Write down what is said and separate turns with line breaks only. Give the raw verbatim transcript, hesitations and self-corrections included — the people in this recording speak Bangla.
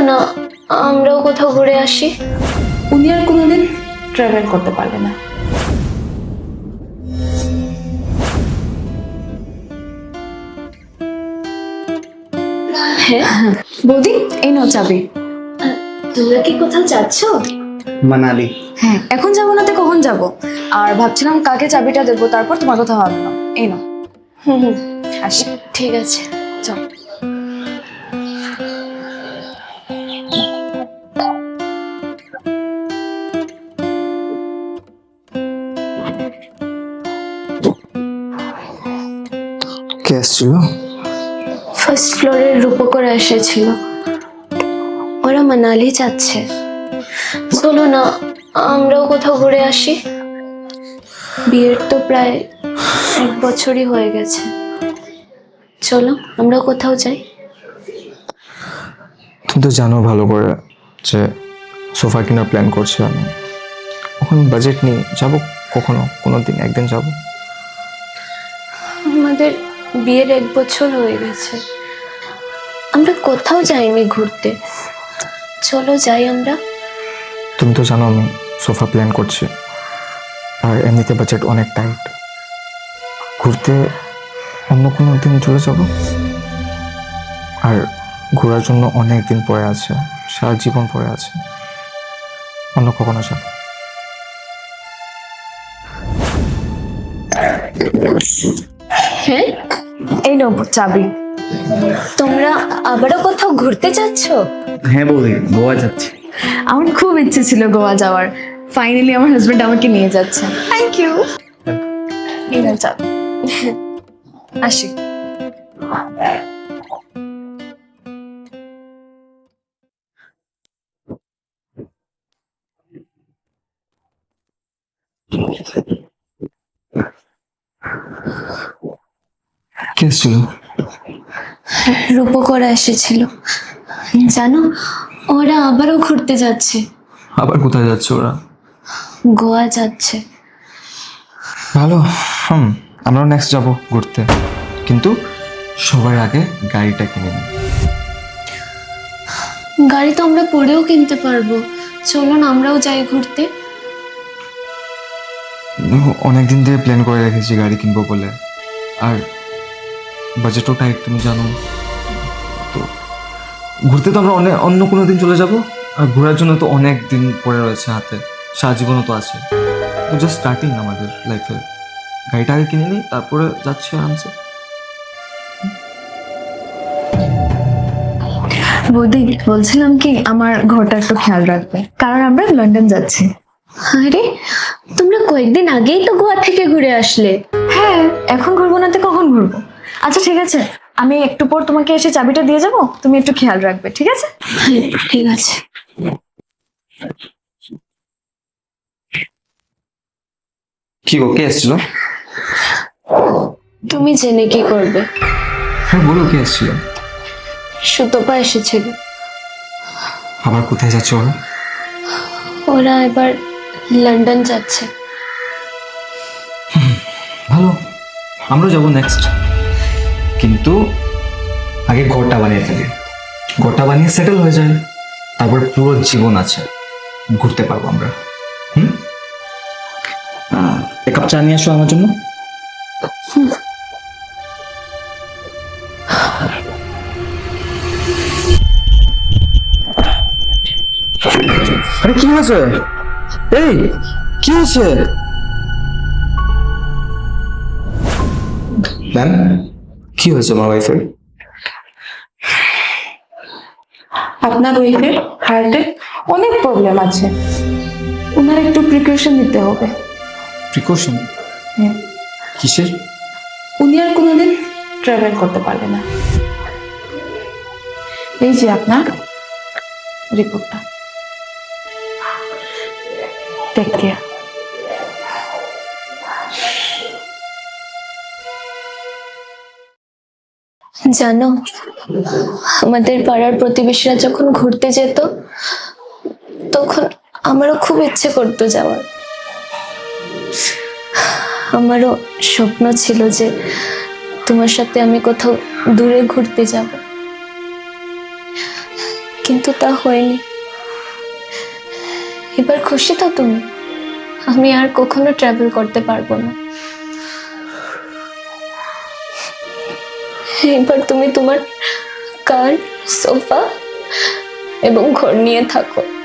না আমরাও কোথাও ঘুরে আসি।
উনি আর কোনোদিন ট্রাভেল করতে পারবে না।
হ্যাঁ
বৌদি, এই নাও চাবি।
তোমরা কি কোথাও যাচ্ছ?
মানালি।
হ্যাঁ, এখন যাবো না তো কখন যাব? আর ভাবছিলাম কাকে চাবিটা দেবো, তারপর তোমার কথা ভাবলাম। এই নাও।
হুম হুম
আসি।
ঠিক আছে
চল।
কে আসছিল?
ফার্স্ট ফ্লোরের রূপকরা এসেছিল। ওরা মানালি যাচ্ছে। চলো না আমরাও কোথাও ঘুরে আসি। বিয়ের তো প্রায় এক বছরই হয়ে গেছে। চলো আমরাও কোথাও যাই।
তুমি তো জানো ভালো করে যে সোফা কেনার প্ল্যান করছি আমি। এখন বাজেট নেই, যাবো কখনো কোনো দিন একদিন যাবো।
আমাদের বিয়ের এক বছর হয়ে গেছে, আমরা কোথাও যাইনি ঘুরতে। চলো যাই আমরা।
তুমি তো জানো আমি সোফা প্ল্যান করছি, আর এমনিতে বাজেট অনেক টাইট। ঘুরতে অন্য কোনো দিন চলে যাব। আর ঘোরার জন্য অনেক দিন পরে আছে, সারা জীবন পরে আছে। অন্য কখনো যাব।
হ্যাঁ
এই নাও চাবি।
তোমরা আবারও কোথাও ঘুরতে যাচ্ছ?
হ্যাঁ বৌদি, গোয়া যাচ্ছি।
আমার খুব ইচ্ছে ছিল গোয়া যাওয়ার। ফাইনালি আমার হাজবেন্ড আমাকে নিয়ে যাচ্ছে। Thank you. এই নাও চাবি। আসি।
কে এসেছিল?
রূপকরা এসেছিল। জানো ওরা আবারও ঘুরতে যাচ্ছে।
আবার কোথায় যাচ্ছে ওরা?
গোয়া যাচ্ছে।
ভালো। হুম, আমরাও নেক্সট যাব ঘুরতে, কিন্তু সবার আগে গাড়িটা কিনে নিই।
গাড়ি তো আমরা পরেও কিনতে পারবো। চলো না আমরাও যাই ঘুরতে।
অনেকদিন ধরে প্ল্যান করে রেখেছি গাড়ি কিনবো বলে, আর বাজেটও টাইট তুমি জানো। তো ঘুরতে তো আমরা অনেক অন্য কোনো দিন চলে যাব, আর ঘোরার জন্য তো অনেক দিন পড়ে রয়েছে হাতে, সারা জীবনও তো আছে। তো জাস্ট স্টার্টিং আমাদের লাইফে। গাড়িটা আগে কিনে নিই, তারপরে যাচ্ছি আরামসে।
বৌদি, বলছিলাম কি আমার ঘরটা একটু খেয়াল রাখবে, কারণ আমরা লন্ডন যাচ্ছি।
আরে তোমরা কয়েকদিন আগেই তো গোয়া থেকে ঘুরে আসলে।
হ্যাঁ, এখন ঘুরবো না তো কখন ঘুরবো? আচ্ছা ঠিক আছে, আমি একটু পর তোমাকে এসে চাবিটা দিয়ে যাবো, তুমি একটু খেয়াল রাখবে, ঠিক আছে?
হ্যাঁ ঠিক আছে।
কি গো, কে এসেছিল?
তুমি জেনে কি করবে?
হ্যাঁ বলো, কে এসেছিল?
সুতপা এসেছিল।
আবার কোথায় যাচ্ছে ওরা?
ওরা এবার লন্ডন যাচ্ছে।
ভালো, আমরা যাবো নেক্সট, কিন্তু আগে ঘরটা বানিয়ে ফেলি। ঘরটা বানিয়ে সেটেল হয়ে যায়, তারপর পুরো জীবন আছে, ঘুরতে পারবো আমরা। হুম, এক কাপ চা নিয়ে আসো আমার জন্য। আরে কি হয়েছে? এই কি হয়েছে? ম্যাম, কি হয়েছে আমার ওয়াইফের?
আপনার ওয়াইফের হার্টে অনেক প্রবলেম আছে, ওনার একটু প্রিকশন নিতে হবে।
প্রিকশন?
হ্যাঁ,
কিসের?
উনি আর কোনোদিন ট্রাভেল করতে পারবে না। এই যে আপনার রিপোর্টটা, টেক কেয়ার।
জানো আমাদের পাড়ার প্রতিবেশীরা যখন ঘুরতে যেত তখন আমারও খুব ইচ্ছে করতো যাওয়ার। আমারও স্বপ্ন ছিল যে তোমার সাথে আমি কোথাও দূরে ঘুরতে যাব, কিন্তু তা হয়নি। এবার খুশি তো তুমি? আমি আর কখনো ট্রাভেল করতে পারবো না। এবার তুমি তোমার কার, সোফা এবং ঘর নিয়ে থাকো।